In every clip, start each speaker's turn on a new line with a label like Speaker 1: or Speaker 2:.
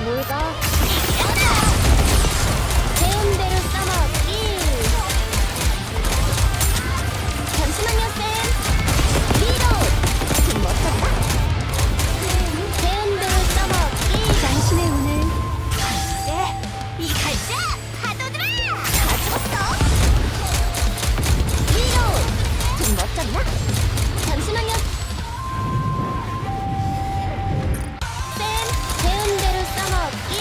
Speaker 1: 뭘 봐? 배운 대로 써먹기. 잠시만요, 쌤. 리로드. 좀 멋졌다. 배운 대로 써먹기. 당신의 운을. 네, 이 갈자 파도들아. 다 죽었어. 리로드. 좀 멋졌나? 잠시만요. 배운 대로 써먹기.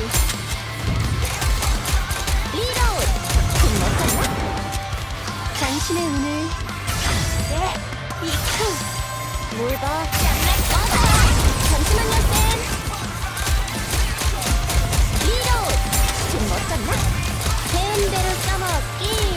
Speaker 1: 리로드. 좀 멋졌나? 당신의 운을. 네, 이크. 뭘 봐? 잠시만요, 쌤. 리로드. 좀 멋졌나? 배운 대로 써먹기.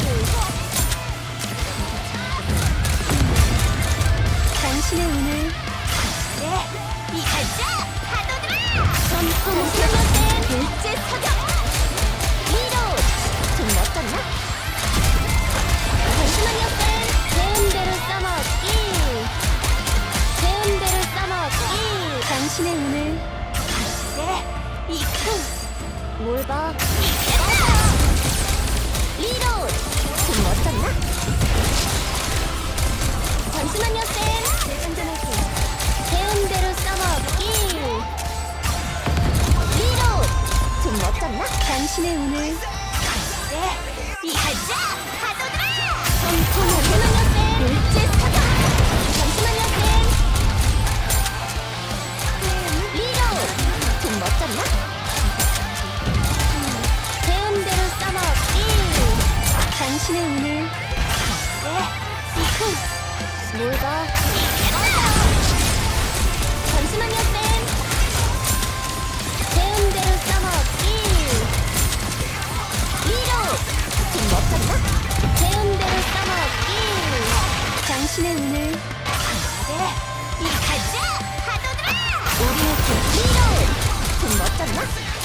Speaker 1: 당신의 운을. 네, 이 갈자 파도들아. 잠시만요, 쌤. 일제 사격. 리로드. 좀 멋졌나? 잠시만요, 쌤. 배운 대로 써먹기. 배운 대로 써먹기. 당신의 운을. 네, 이크. 뭘 봐? 리로드. 좀 멋졌나? 잠시만요, 쌤. 재장전할게요. 배운 대로 써먹기. 리로드. 좀 멋졌나? 당신의 운을. 네, 이 갈자 파도들아. 잠시만요, 쌤. 일제 사격. 잠시만요, 쌤. 리로드. 좀 멋졌나? 배운 대로 써먹기. 당신의 운을. 네, 이크. 뭘 봐? 잠시만요, 쌤. 배운 대로 써먹기. 리로드. 좀 멋졌나? 배운 대로 써먹기. 당신의 운을. 네, 이 갈자 파도들아. 우리의 리로드. 좀 멋졌나?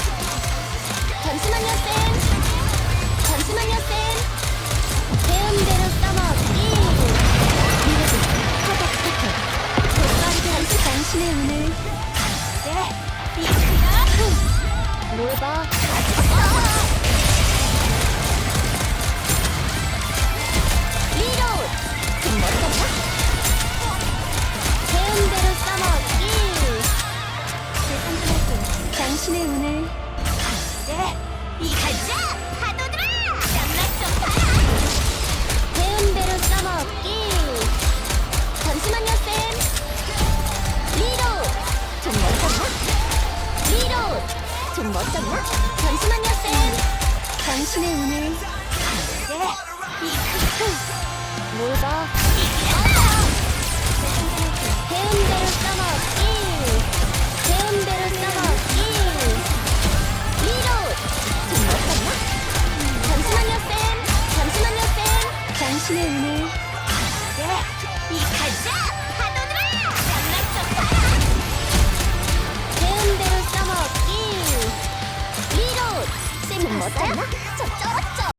Speaker 1: 잠시만요, 쌤. 잠시만요, 쌤. 배운 대로 써먹기. 리로드. 파도 패턴. 재빠르게 당신의 운을. 네, 이 크다. 뭘 봐? 리로드. 좀 멋졌나? 배운 대로 써먹기. 당신의 운을. 네, 이 갈자 파도들아. 땀락 좀 봐라. 배운 대로 써먹기. 잠시만요, 쌤. 리로드. 좀 멋졌나? 리로드. 좀 멋졌나? 잠시만요, 쌤. 당신의 운을. 네, 이 크크. 뭘 봐? 배운 대로 써먹기. 배운 대로 써먹기. 리로드. 좀 멋졌나? 잠시만요, 쌤. 잠시만요, 쌤. 당신의 운을. 네, 이 갈자 파도들아. 땀락 좀 봐라. 배운 대로 써먹기. 리로드. 쌤 멋졌나? 저 쩔었죠?